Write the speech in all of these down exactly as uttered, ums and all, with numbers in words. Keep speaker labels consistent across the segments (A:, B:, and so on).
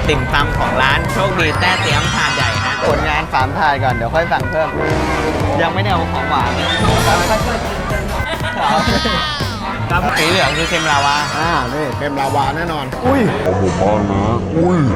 A: ติ่มซำของร้านโชคดีแต้เตี้ยมถาดใหญ่ฮะผลงานสามถาดก่อนเดี๋ยวค่อยสั่งเพิ่มยังไม่ได้เอาของหวานครับสีเหลืองคือเค็มลาวา
B: อ่านี่เค็มลาวาแน่นอนอุ้ย
C: เอาหมู่บ้านนะอุ้ย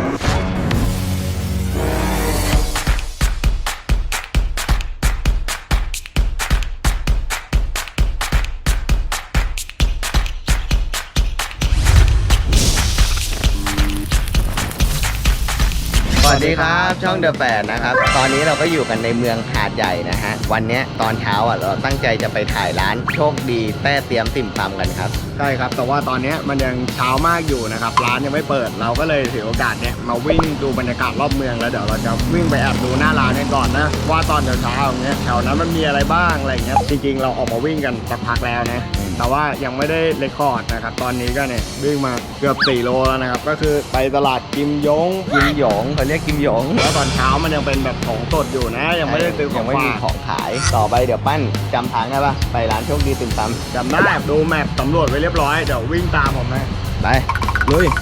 A: สวัสดีครับช่องเดอะแปดนะครับตอนนี้เราก็อยู่กันในเมืองหาดใหญ่นะฮะวันนี้ตอนเช้าอ่ะเราตั้งใจจะไปถ่ายร้านโชคดีแต้เตี้ยมติ่มซำกันครับ
B: ใช่ครับแต่ว่าตอนนี้มันยังเช้ามากอยู่นะครับร้านยังไม่เปิดเราก็เลยถือโอกาสเนี้ยมาวิ่งดูบรรยากาศรอบเมืองแล้วเดี๋ยวเราจะวิ่งไปแอบดูหน้าร้านกันก่อนนะว่าตอนเช้าๆอย่างเงี้ยแถวนั้นมันมีอะไรบ้างอะไรเงี้ยจริงๆเราออกมาวิ่งกันสักพักแล้วนะแต่ว่ายังไม่ได้เรคคอร์ดนะครับตอนนี้ก็เนี่ยวิ่งมาเกือบสี่โลแล้วนะครับก็คือไปตลาดกิมยง
A: กิมหยงเขาเรียกกิมหยง
B: แล้วตอนเช้ามันยังเป็นแบบของสดอยู่นะยังไม่ได้ซื้อของ
A: ยังไม่มีของขายต่อไปเดี๋ยวปั้นจำทางได้ปะไปร้านโชคดีติ่มซำ
B: จำได้ดูแมพสำรวจไว้เรียบร้อยเดี๋ยววิ่งตามผมนะ
A: ไปลุย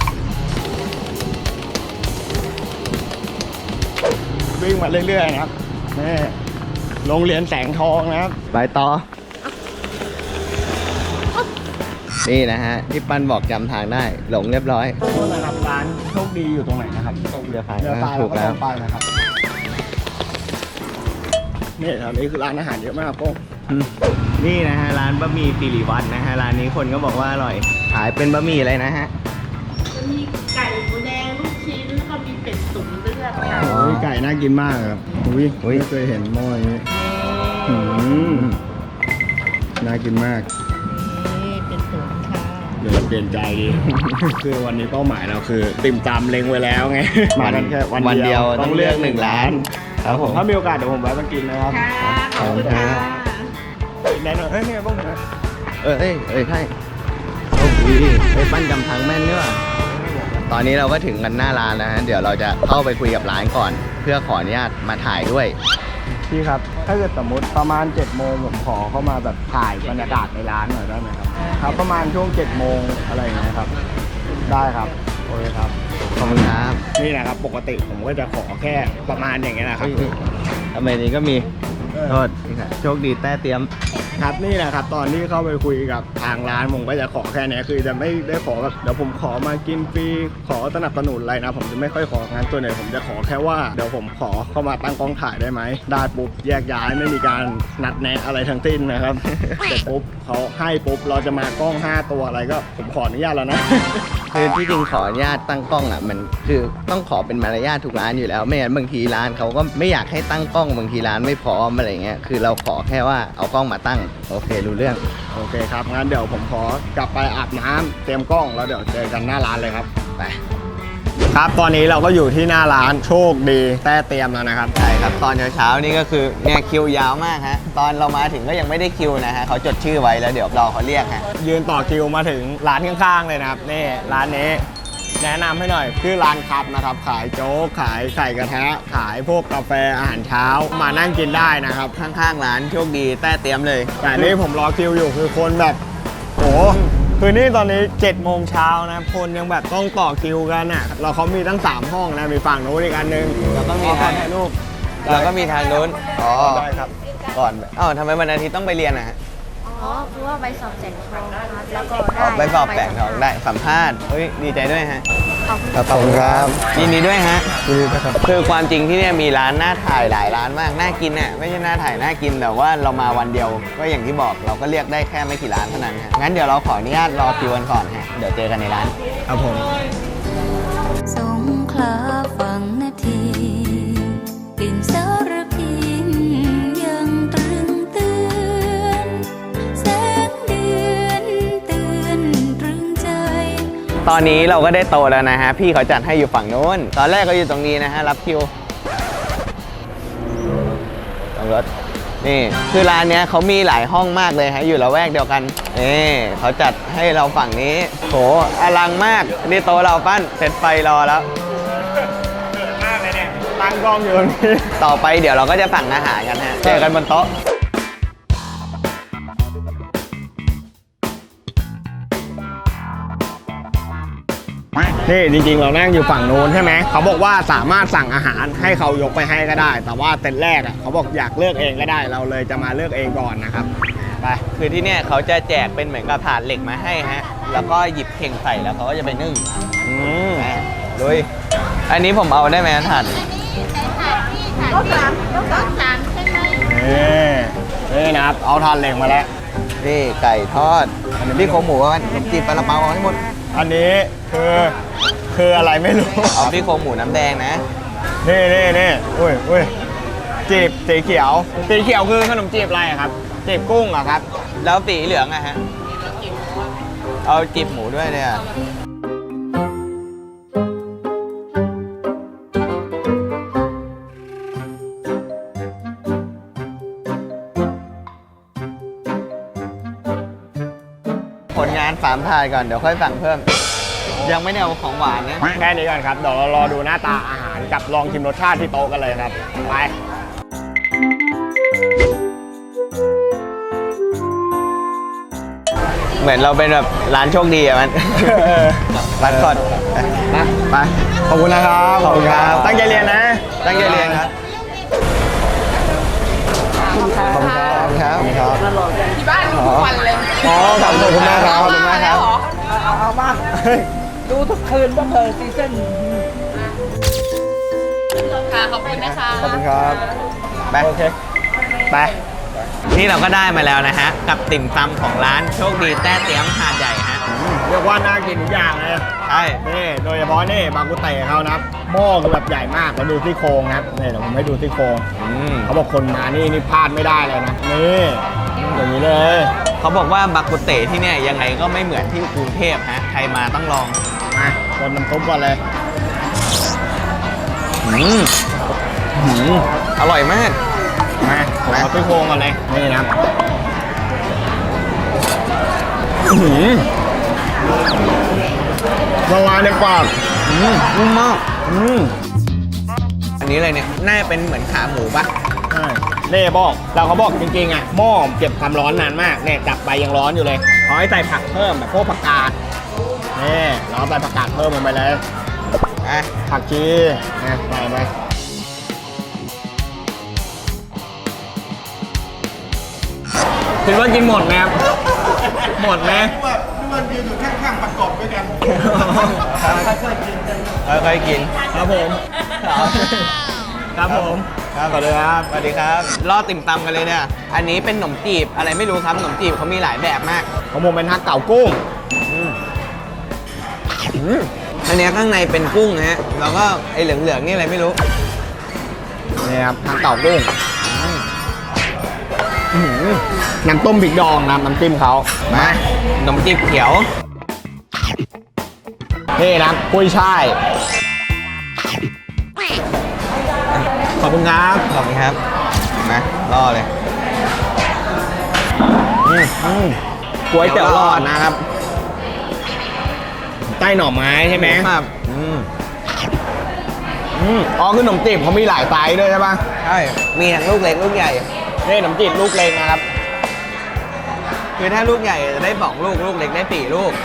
B: วิ่งมาเรื่อยๆนะครับนี่โรงเรียนแสงทองนะครับ
A: ไปต่อนี่นะฮะที่ปั้นบอกจำทางได้หลงเรียบร้อย
B: โทษนะครับร้านโชคดีอยู่ตรงไหนนะครับ
A: เรือพาย
B: เรือพายถูกแล้วไปนะครับนี่แถวนี้คือร้านอาหารเยอะมากโป้ง
A: นี่นะฮะร้านบะหมี่สิริวัฒน์นะฮะร้านนี้คนก็บอกว่าอร่อยขายเป็นบะหมี่อะไรนะฮะ
D: จะมีไก่หมูแดงลูกชิ้นแล้วก็มีเป็ดตุ๋นเลือดค่ะ
B: โอ้ยไก่น่ากินมากครับอุ้ยไม่เคยเห็นหม้ออย่างนี้อืมน่ากินมาก
D: นี่เป็นตุ๋นค่ะ
B: เดี๋ยวเปลี่ยนใจดี คือวันนี้เป้าหมายเราคือติ่มซำเล็งไว้แล้วไงมากันแค่วันเดียว
A: ต้องเลือกหนึ่งร้านครับผม
B: ถ้ามีโอกาสเดี๋ยวผมแวะมากินนะครับ
D: ขอบคุณค่ะ
B: แน่นอนเฮ้ยเนี่ยบ้างนะ
A: เออเอ้ยเอ้ยใช่โอ้โหไอ้ปั้นจำทางแม่นเนี่ยตอนนี้เราก็ถึงกันหน้าร้านแล้วฮะเดี๋ยวเราจะเข้าไปคุยกับร้านก่อนเพื่อขออนุญาตมาถ่ายด้วย
B: พี่ครับถ้าเกิดสมมติประมาณเจ็ดโมงผมขอเข้ามาแบบถ่ายบรรยากาศในร้านหน่อยได้ไหมครับครับประมาณช่วงเจ็ดโมงอะไรอย่างเงี้ยครับได้ครับโอเคครับ
A: ขอบคุณครับ
B: นี่นะครับปกติผมก็จะขอแค่ประมาณอย่างเงี้ยนะครับ
A: ทำไมนี้ก็มีโทษโชคดีแต้เตี้ยม
B: ครับนี่แหละครับตอนที่เข้าไปคุยกับทางร้านผมก็จะขอแค่นี้คือจะไม่ได้ขอแบบเดี๋ยวผมขอมากินฟรีขอสนับสนุนอะไรนะผมจะไม่ค่อยของานตัวไหนผมจะขอแค่ว่าเดี๋ยวผมขอเข้ามาตั้งกล้องถ่ายได้ไหมได้ปุ๊บแยกย้ายไม่มีการนัดแนะอะไรทั้งสิ้นนะครับเสร็จปุ๊บเขาให้ปุ๊บเราจะมากล้องห้าตัวอะไรก็ผมขออนุญาตแล้วนะ
A: คือที่จริงขออนุญาตตั้งกล้องอ่ะมันคือต้องขอเป็นมารยาททุกร้านอยู่แล้วไม่งั้นบางทีร้านเขาก็ไม่อยากให้ตั้งกล้องบางทีร้านไม่พร้อมอะไรเงี้ยคือเราขอแค่ว่าเอากล้องมาตั้งโอเครู้เรื่อง
B: โอเคครับงั้นเดี๋ยวผมขอกลับไปอาบน้ำเตรียมกล้องแล้วเดี๋ยวเจอกันหน้าร้านเลยครับไปครับตอนนี้เราก็อยู่ที่หน้าร้านโชคดีแต้เตรียมแล้วนะครับ
A: ใช่ครับตอนเช้าๆนี่ก็คือเนี่ยคิวยาวมากฮะตอนเรามาถึงก็ยังไม่ได้คิวนะฮะเขาจดชื่อไว้แล้วเดี๋ยวรอเขาเรียกฮะ
B: ยืนต่อคิวมาถึงร้านข้างๆเลยนะครับนี่ร้านนี้แนะนำให้หน่อยคือร้านครับนะครับขายโจ๊กขายไข่กระทะขายพวกกาแฟอาหารเช้ามานั่งกินได้นะครับ
A: ข้างๆร้านโชคดีแต้เตรียมเลย
B: แต่นี่ผมรอคิวอยู่คือคนแบบโอ้คือนี่ตอนนี้เจ็ดโมงเช้านะคนยังแบบต้องต่อคิวกันอ่ะเราเขามีตั้งสามห้องนะมีฝั่งโน้นอีกอันนึง
A: แล้วก็มีทาง
B: รูป
A: แล้วก็มีทางโน้นอ๋อ
B: ได้ครับ
A: ก่อนอ้าวทำไมวันอาทิตย์ต้องไปเรียนอ่ะ
D: อ๋อคือว่าใบสอบแสงทองนะคะแล้วก็ได้
A: ใบสอบแสงทองได้สัมภาษณ์เฮ้ยดีใจด้วยฮะ
D: ขอบคุณ
A: ขอบคุณครับยินดีด้วยฮะยินดีครับคือความจริงที่เนี่ยมีร้านน่าถ่ายหลายร้านมากน่ากินน่ะไม่ใช่น่าถ่ายน่ากินแต่ว่าเรามาวันเดียวก็อย่างที่บอกเราก็เรียกได้แค่ไม่กี่ร้านเท่านั้นฮะงั้นเดี๋ยวเราขออนุญาตรอคิวกันก่อนฮะเดี๋ยวเจอกันในร้าน
B: ครับผม
E: สงขลาฝั่งนาทีกลิ่นสารพินยังตรึงเตือนแสงเดือนเตือนตรึงใจ
A: ตอนนี้เราก็ได้โตแล้วนะฮะพี่เขาจัดให้อยู่ฝั่งโน้นตอนแรกก็อยู่ตรงนี้นะฮะรับคิวตรงรถนี่คือร้านเนี้ยเขามีหลายห้องมากเลยฮะอยู่ละแวกเดียวกันนี่เขาจัดให้เราฝั่งนี้โหอลังมากนี่โตเราปั้นเสร็จไฟรอแล้ว
B: มากเลยเนี่ยตั้งกล้องอยู่ตรงนี้
A: ต่อไปเดี๋ยวเราก็จะสั่งอาหารกันฮะเจอกันบนโต๊ะน
B: นี่จริงๆเรานั่งอยู่ฝั่งนู้นใช่ไหมเขาบอกว่าสามารถสั่งอาหารให้เขายกไปให้ก็ได้ แต่ว่าเต็นท์แรกอ่ะเขาบอกอยากเลือกเองก็ได้เราเลยจะมาเลือกเองก่อนนะครับไป
A: คือที่เนี่ยเขาจะแจกเป็นเหมือนกับถาดเหล็กมาให้ฮะ แล้วก็หยิบเข่งใส่แล้วเขาก็จะไปนึ่ง
B: อืม
A: อ่ะลุยอันนี้ผมเอาได้ไหมถาด
D: รถสามรถสามใช่ไหม
B: นี่นี่นะครับเอาทานเหล็กมาแล้ว
A: นี่ไก่ทอดนี่โครงหมูกันขนมจีบปลาละเปาเอาให้หมด
B: อันนี้คือคืออะไรไม่รู้
A: เอาพี่โครงหมูน้ำแดงนะ
B: นี่นี่นี่อุ้ยอุ้ยจีบสีเขียวสีเขียวคือขนมจีบอะไรอะครับจีบกุ้งเหรอครับ
A: แล้วสีเหลืองอะฮะ เอาจีบหมูด้วยเนี่ย ผลงานสามถาดก่อนเดี๋ยวค่อยสั่งเพิ่ม ยังไม่ได้เอาของหวานนะ
B: แค่นี้ก่อนครับเดี๋ยวเรารอดูหน้าตาอาหารกับลองชิมรสชาติที่โต๊ะกันเลยครับไป
A: เหมือนเราเป็นแบบร้านโชคดีอะมัน ร้านคอด
B: นะไปขอบคุณนะครับ
A: ขอบคุณครับ
B: ตั้งใจเรียนนะ
A: ตั้งใจเรียนครับ
B: ขอบคุณครับ
A: ขอบคุณครับ
D: ที่บ้านดูทุกวันเลย
B: อ๋อขอบคุณมากครับ
A: ขอบคุณมากครับ
F: เอาเอามาดูทุกคืนบ้างเถอะซีซั่น
D: ค่ะขอบคุณนะคะ
B: ขอบคุณครับ
A: ไป
B: โอเคไป
A: นี่เราก็ได้มาแล้วนะฮะ กับติ่มซำของร้านโชคดีแต้เตี้ยมหาดใหญ่ฮะ
B: เรียกว่าน่ากินทุกอย่างเลย
A: ใช่
B: นี่โดยเฉพาะนี่บางกุเตะเขานะครับหม้อคือแบบใหญ่มากแล้วดูซี่โครงนะครับนี่เดี๋ยวผมให้ดูซี่โครง
A: อืม
B: เขาบอกคนมานี่นี่พลาดไม่ได้เลยนะนี่อย่างนี้เลย
A: เขาบอกว่าบักกุเตที่เนี่ยยังไงก็ไม่เหมือนที่กรุงเทพฮะ ใครมาต้องลอง
B: มาคนน้ำซุปก่อนเลย
A: อืมอืมอร่อยมาก
B: มาผมเอาซี่โครงก่อนเลยนี่นะครับอื้อหือละลายในปาก
A: อืมนุ่มมาก
B: อืม
A: อันนี้อะไรเนี่ย น่าจะเป็นเหมือนขาหมูปะ
B: ใช่เน่บอกเราเขาบอกจริงๆอ่ะหม้อเก็บความร้อนนานมากเนี่ยจับไปยังร้อนอยู่เลยขอให้ใส่ผักเพิ่มแบบพวกผักกาดนี่เราใส่ผักกาดเพิ่มลงไปเลย
A: อ่ะ
B: ผักชีนะใส่ไปคิดว่ากินหมดไหมครับ หมดไหม
A: ค่อยๆกิน
B: ครับผม ครับผม
A: ครับสวัสดีครับ สวัสดีครับ รอติ่มซำกันเลยเนี่ย อันนี้เป็นขนมจีบอะไรไม่รู้ครับ ขนมจีบเขามีหลายแบบมาก
B: ของผมเป็นฮักเก่ากุ้ง
A: อันเนี้ยข้างในเป็นกุ้งนะฮะ แล้วก็ไอ้เหลืองๆนี่อะไรไม่รู้
B: นี่ครับฮักเก่ากุ้งอื้อหือน้ำต้มพริกดองนะน้ำจิ้มเขา
A: มาขนมจีบเขียว
B: นี่นะกุ้ยช่ายขอบคุณครับ
A: ขอบคุณครับมาล่อเลย
B: อืมอืมก๋วยเตี๋ยวหลอดนะครับใต้หน่อไม้ใช่ไหม
A: ครับอืม
B: อืมอ๋อคือขนมจีบเขามีหลายไซส์ด้วยใช่ปะ
A: ใช่ มีทั้งลูกเล็กลูกใหญ่
B: นี่ขนมจีบลูกเล็กนะครับ
A: คือถ้าลูกใหญ่จะได้สองลูก ลูกเล็กได้สี่ลูก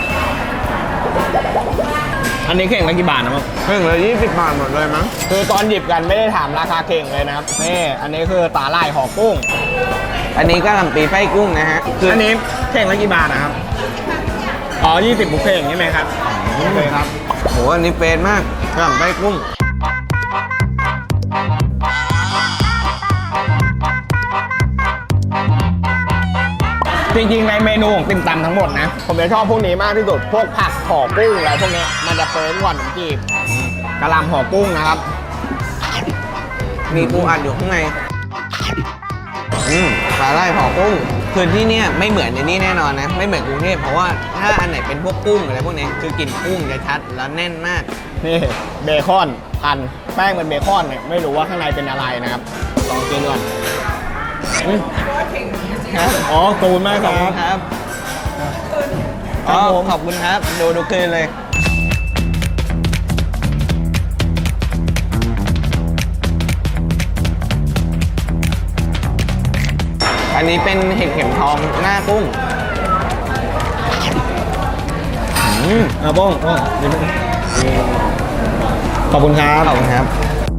B: อันนี้เข่งละกี่บาทนะมั้ง
A: เพิ่งเลยยี่สิบบาทหมดเลยมั้ง
B: คือตอนหยิบกันไม่ได้ถามราคาเข่งเลยนะครับนี่อันนี้คือตาลายห่อกุ้ง
A: อันนี้ก็ลำปีไส้กุ้งนะฮะ คือ
B: อันนี้เข่งละกี่บาทนะครับอ๋อยี่สิบบุฟเฟ่ต์ใช่ไหมครับโอเคครับ
A: โหอันนี้เฟรนมากกระหล่ำไส้กุ้ง
B: จริงๆในเมนูของติ่มซำทั้งหมดนะผมจะชอบพวกนี้มากที่สุดพวกผักห่อกุ้งอะไรพวกเนี้ยมันจะเฟ้นกว่าขนมจีบกะหล่ำห่อกุ้งนะครับ
A: มีปูอัดอยู่ข้างใน อืมสาหร่ายห่อกุ้ง คือที่เนี่ยไม่เหมือนในนี้แน่นอนนะ ไม่เหมือนกรุงเทพเพราะว่าถ้าอันไหนเป็นพวกกุ้งอะไรพวกเนี้ยคือกลิ่นกุ้งจะชัดแล้วแน่นมาก
B: นี่เบคอนพันแป้งเป็นเบคอนเนี่ยไม่รู้ว่าข้างในเป็นอะไรนะครับลองกินก่อนอืม
A: ครับ
B: อ๋อขอบคุณมาก
A: ข
B: ค
A: อบคุ
B: รั
A: ณ
B: บ
A: ครับ
B: ค
A: อ๋
B: รั
A: อบ
B: ผม
A: ขอบคุณครับ ดูดูคืนเลย อันนี้เป็นเห็ดเข็มทองหน้ากุ้ง
B: อืมอ่ะบ้องบ้องเดี๋ยวขอบคุณครับ
A: ขอบคุณครับ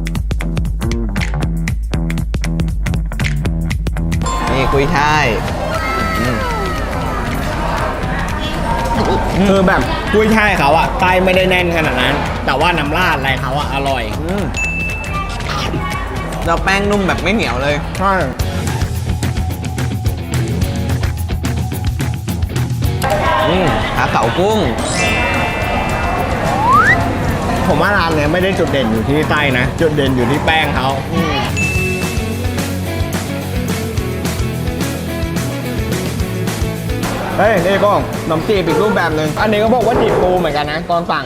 A: นี่กุยช่ายอืม
B: คือแบบกุ้ยช่ายเขาอะไส้ไม่ได้แน่นขนาดนั้น แต่ว่าน้ำราดอะไรเขาอะอร่อย
A: อืมแล้วแป้งนุ่มแบบไม่เหนียวเลย
B: ใช่
A: อืมขาเก๋ากุ้ง
B: ผมว่าร้านเนี้ยไม่ได้จุดเด่นอยู่ที่ไส้นะ จุดเด่นอยู่ที่แป้งเขาเฮ้ยนี่ก็ขนมจีบอีกรูปแบบหนึ่งอันนี้ก็บอกว่าจีบปูเหมือนกันนะตอนสั่ง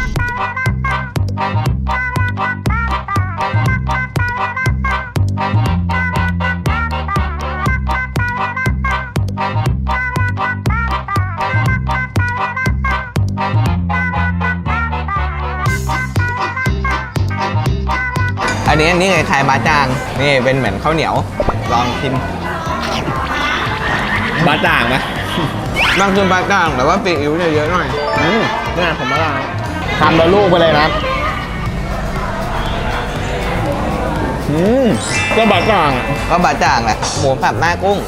A: อันนี้อันนี้คล้ายๆบาจางนี่เป็นเหมือนข้าวเหนียวลองชิม
B: บะจ่างไหม
A: บางคือบาจางแต่ว่าซีอิ๊วเนี่ยเยอะหน่อย
B: อืมนี่ผมมาลาทำแล้วลูกไปเลยนะอืมก็บะจ่างอะ
A: ก็บาจางแหละหมูสับหน้ากุ้ง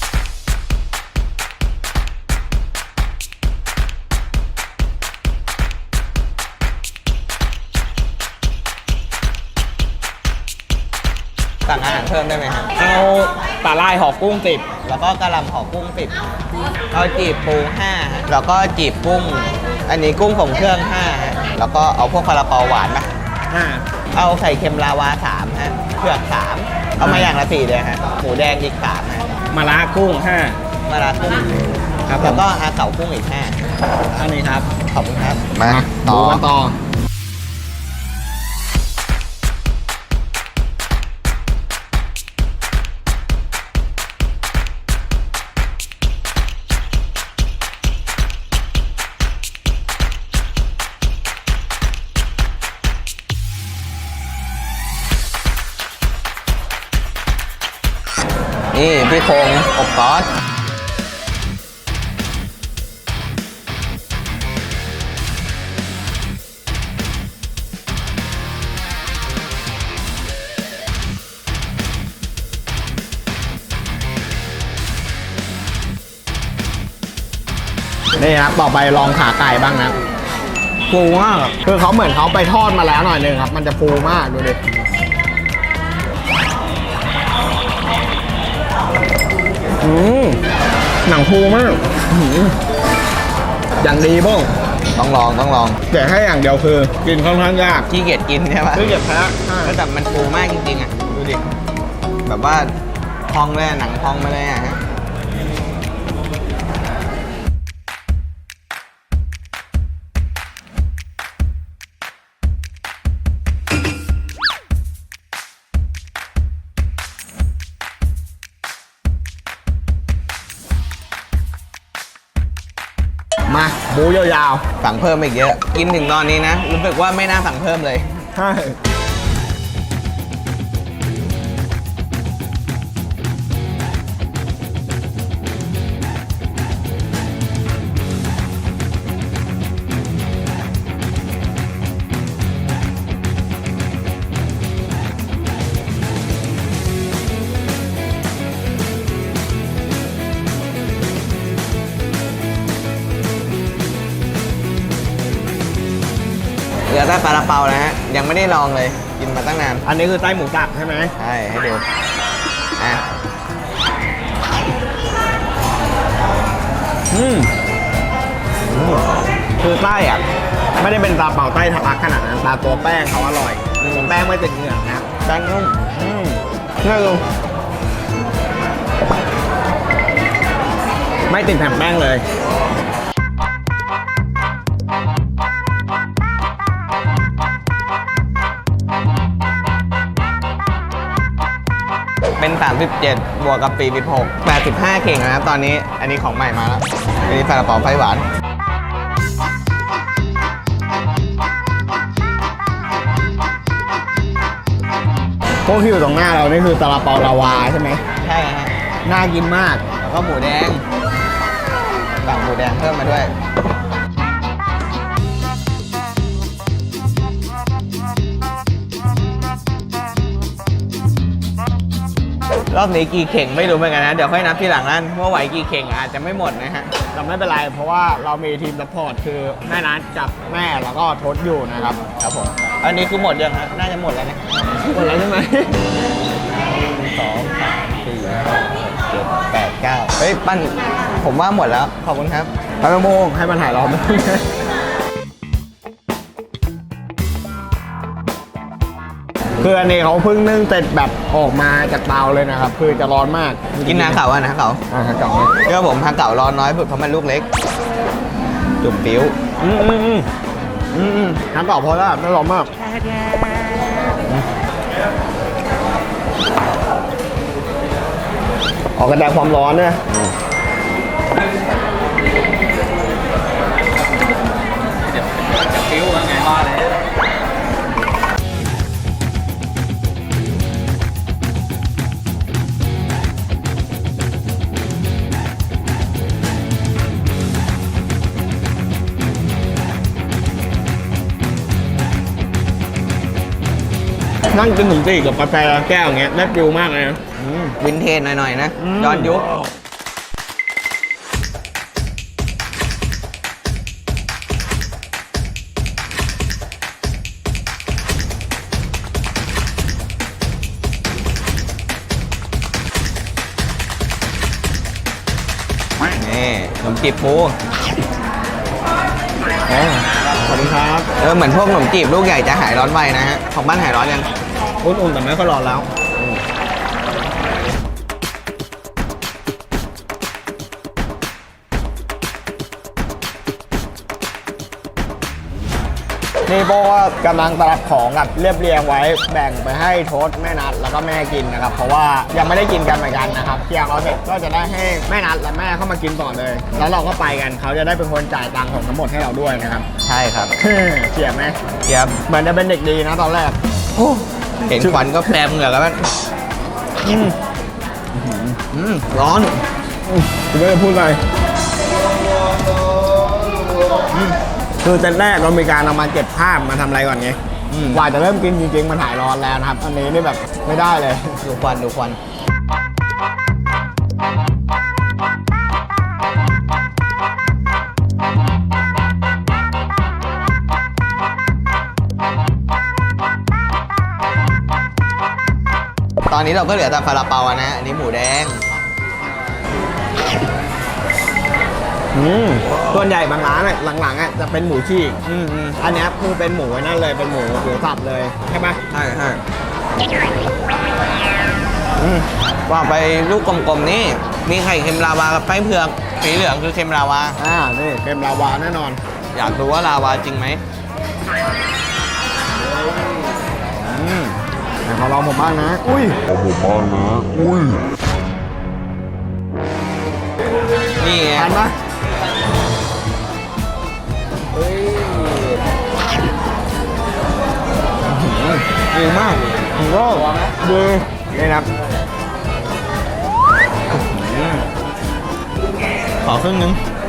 A: สั่งอาหารเพิ่มได้ไหมครับ
B: เอาปลาลายห่อกุ้งติด
A: แล้วก็กะหล่ำห่อกุ้งสิบเอาจีบปูห้าฮะแล้วก็จีบกุ้ง อันนี้กุ้งของเครื่องห้าฮะแล้วก็เอาพวกซาลาเปาหวานมา
B: อ่า
A: เอาไข่เค็มลาวาสามฮะเผือกสามเอามาอย่างละสี่เลยฮะหมูแดงอีกสามฮะ
B: มาละกุ้งห้า
A: มาลากุ้ง
B: ครับผม
A: แล้วก็อาเก๋ากุ้งอีกห้า
B: อันนี้ครับ
A: ขอบคุณครับ
B: มา
A: ต่อ
B: ดูกันต่อ
A: นี่พี่โครงอบซอส
B: นี่ครับต่อไปลองขาไก่บ้างนะฟูมากคือเขาเหมือนเขาไปทอดมาแล้วหน่อยนึงครับ มันจะฟูมากดูดิอืมหนังฟูมากอื้อหืออย่างดีบ้ง
A: ต้องลองต้องลอง
B: แต่แค่อย่างเดียวคือกินค่อนข้างยาก
A: ขี้เกียจกินใช่ปะ
B: คือเก็บแพ้ใช่
A: แล้วแต่มันฟูมากจริงๆอ่ะดูดิแบบว่าพองเลยอะหนังพองมาเลยอ่ะฮะ
B: มาบูยาว
A: สั่งเพิ่มอีกเยอะ กินถึงตอนนี้นะ รู้สึกว่าไม่น่าสั่งเพิ่มเลย
B: ๆใช่
A: เหลือแต่ปลาเปานะฮะ ยังไม่ได้ลองเลย กินมาตั้งนาน
B: อันนี้คือไส้หมูสับใช่ไหม
A: ใช่ ให้ดู อ่ะ
B: อืมคือไส้อ่ะไม่ได้เป็นตาเป่าไส้ทะลักขนาดนั้นแต่ตัวแป้งเขาอร่อยแป้งไม่ติดเหงือกนะ
A: แป้งนุ่ม
B: อืมนี่ดูไม่ติดแผ่นแป้งเลย
A: เป็น สามสิบเจ็ด บวกกับสี่สิบหก แปดสิบห้าเข่งนะครับตอนนี้ อันนี้ของใหม่มาแล้ว อันนี้ซาลาเปาไฟหวาน
B: พวกที่อยู่ตรงหน้าเรานี่คือซาลาเปาลาวาใช่ไหม
A: ใช่ฮะ
B: น่ากินมาก
A: แล้วก็หมูแดง สั่งหมูแดงเพิ่มมาด้วยรอบนี้กี่เข่งไม่รู้เหมือนกันนะ เดี๋ยวค่อยนับทีหลังนั้นว่าไหวกี่เข่งอาจจะไม่หมดนะฮะ
B: แต่ไม่เป็นไรเพราะว่าเรามีทีมซัพพอร์ตคือแม่นัทกับแม่แล้วก็ทศอยู่นะครับครับผม
A: อันนี้คือหมดยังฮะน่าจะหมดแล้วนะ
B: หมดแล้วใช่ไหม
A: สองสามสี่ห้าหกเจ็ดแปดเก้าเฮ้ยปั้นผมว่าหมดแล้วขอบคุณครับ
B: พระโมงให้มันถ่ายรอบนึงคืออันนี้เขาเพิ่งนึ่งเสร็จแบบออกมาจากเตาเลยนะครับ คือจะร้อนมาก
A: กินนาเก่าอ่ะนะเก่า
B: อ่าเก่า
A: เรื่องผมทางเก่าร้อนน้อยเพราะมันลูกเล็ก จุ่มปิ้ว
B: อืมอืมอืมอืมอืมน้ำเก่าพอแล้วไม่ร้อนมากออกกระแดงความร้อนเนี่ย
A: ปิ้วไงว่าเลย
B: นั่งกินขนมจีบกับกาแฟแก้วอย่างเงี้ยได้ฟิลมากเลยนะ
A: วินเทจหน่อยๆนะ
B: อืม
A: ย้อนยุคนี่ขนมจีบปู
B: อ๋อขอบคุณครับ
A: เออเหมือนพวกขนมจีบลูกใหญ่จะหายร้อนไวนะฮะ ของบ้านหายร้อนยัง
B: อุ่นๆแต่ไม่ค่อยร้อนแล้วนี่โบก็กำลังตรับของกับเรียบเรียงไว้แบ่งไปให้โทษแม่นัดแล้วก็แม่กินนะครับ เพราะว่ายังไม่ได้กินกันเหมือนกันนะครับเที่ยงเราเสร็จก็จะได้ให้แม่นัดและแม่เข้ามากินต่อเลย แล้วเราก็ไปกันเขาจะได้เป็นคนจ่ายตังค์ของทั้งหมดให้เราด้วยนะครับ
A: ใช่ครับ
B: เขียบไหม
A: เทียบ
B: เหมือนจะเป็นเด็กดีนะตอนแรก
A: เห็นควันก็แปรเหงื่อกันแล้ว
B: อืม
A: อืมร้อน
B: คุณไม่ได้พูดอะไรอืมคือเซตแรกเรามีการเอามาเก็บภาพมาทำอะไรก่อนไง
A: อืม
B: กว่าจะเริ่มกินจริงๆมันหายร้อนแล้วนะครับ อันนี้นี่แบบไม่ได้เลย
A: ดูควันดูควันตอนนี้เราก็เหลือแต่ซาลาเปาอะนะ อันนี้หมูแดง
B: อืมส่วนใหญ่บางร้านอะหลังๆอะจะเป็นหมูฉีก
A: อืมอืม
B: อันเนี้ยคือเป็นหมูไว้นั่นเลยเป็นหมูหมูสับเลยใช่ไหม
A: ใช่ใช่อืมว่าไปลูกกลมๆนี่ มีไข่เค็มลาวากับไส้เผือกสีเหลืองคือเค็มลาวา
B: อ่านี่เค็มลาวาแน่นอน
A: อยากรู้ว่าลาวาจริงไหมอืม
B: แต่ขอลองผมบ้างนะ อุ้ย
C: เอาผมบ้างนะ อุ้ย
A: นี่ไง
B: ทานปะ
A: ดีมาก
B: ผมก็ดีนี่นะครับ
A: อืมขอครึ่งนึง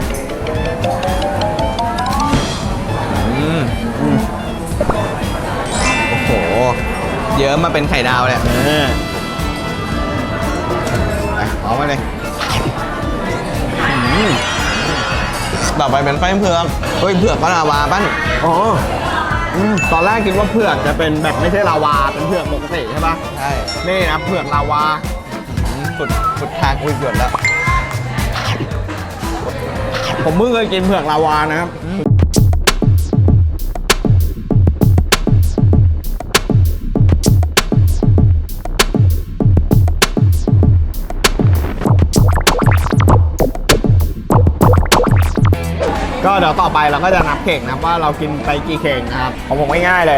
A: อืมอืมโอ้โห เยอะมาเป็นไข่ดาวเลย
B: เออ
A: ไปเอามาเลยอืมต่อไปเป็นไส้เผือกเฮ้ยเผือกก็ลาวาปั้น
B: อ๋ออืมตอนแรกคิดว่าเผือกจะเป็นแบบไม่ใช่ลาวาเป็นเผือกปกติใช่ปะ
A: ใช่
B: นี่นะเผือกลาวา
A: อืมสุดสุดทางอุ้ยหยดแล้ว
B: ผมเพิ่งเคยกินเผือกลาวานะครับ ก็เดี๋ยวต่อไปเราก็จะนับเข่งนะครับว่าเรากินไปกี่เข่งนะครับของผมง่ายๆเลย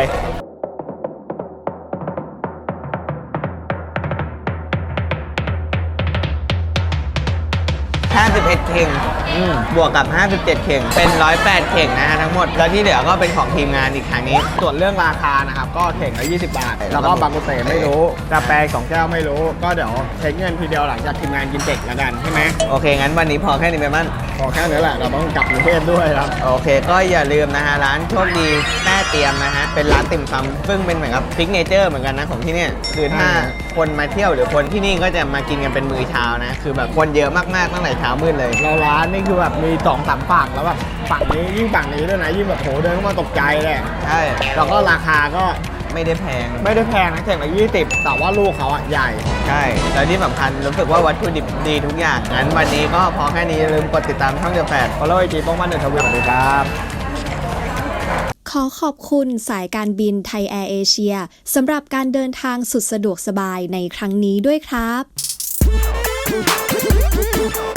A: ห้าสิบเอ็ดเข่ง
B: อืม
A: บวกกับห้าสิบเจ็ดเข่งเป็นหนึ่งร้อยแปดเข่งนะฮะทั้งหมด แล้วที่เหลือก็เป็นของทีมงานอีกครั้งนี้
B: ส่วนเรื่องราคานะครับก็เข่งละยี่สิบบาท แล้วก็บางกุเตไม่รู้กาแฟสองแก้วไม่รู้ ก็เดี๋ยวเช็คเงินทีเดียวหลังจากทีมงานกินเสร็จแล้วกันใช่ไหม
A: โอเค งั้นวันนี้พอแค่นี้ไปมั้ง
B: พอแค่นี้แหละเราต้องกลับกรุงเทพด้วยครับ
A: โอเค ก็อย่าลืมนะฮะ ร้านโชคดีแต้เตรียมนะฮะ เป็นร้านติ่มซำซึ่งเป็นเหมือนกับซิกเนเจอร์เหมือนกันนะของที่เนี่ยคือถ้า
B: ใช่
A: คนมาเที่ยวหรือคนที่นี่ก็จะมากินกันเป็นมื้อเช้านะคือแบบคนเยอะมากๆตั้งแต่เช้ามืดเลย
B: เราร้านนี่คือแบบมีสองสามฝั่งแล้วแบบฝั่งนี้ยิ่งฝั่งนี้ด้วยนะยิ่งแบบโหเดินเข้ามาตกใจเลย
A: ใช่
B: แล้วก็ราคาก็
A: ไม่ได้แพง
B: ไม่ได้แพงนะแข่งละยี่สิบแต่ว่าลูกเขาอ่ะใหญ่
A: ใช่แล้วที่สำคัญรู้สึกว่าวัตถุดิบดีทุกอย่างงั้นวันนี้ก็พอแค่นี้อย่าลืมกดติดตามช่องเดอะแฟด
B: ฟอลโล่ไอจีป้องมันเดอะทวิตสวัสดีครับ
G: ขอขอบคุณสายการบินไทยแอร์เอเชียสำหรับการเดินทางสุดสะดวกสบายในครั้งนี้ด้วยครับ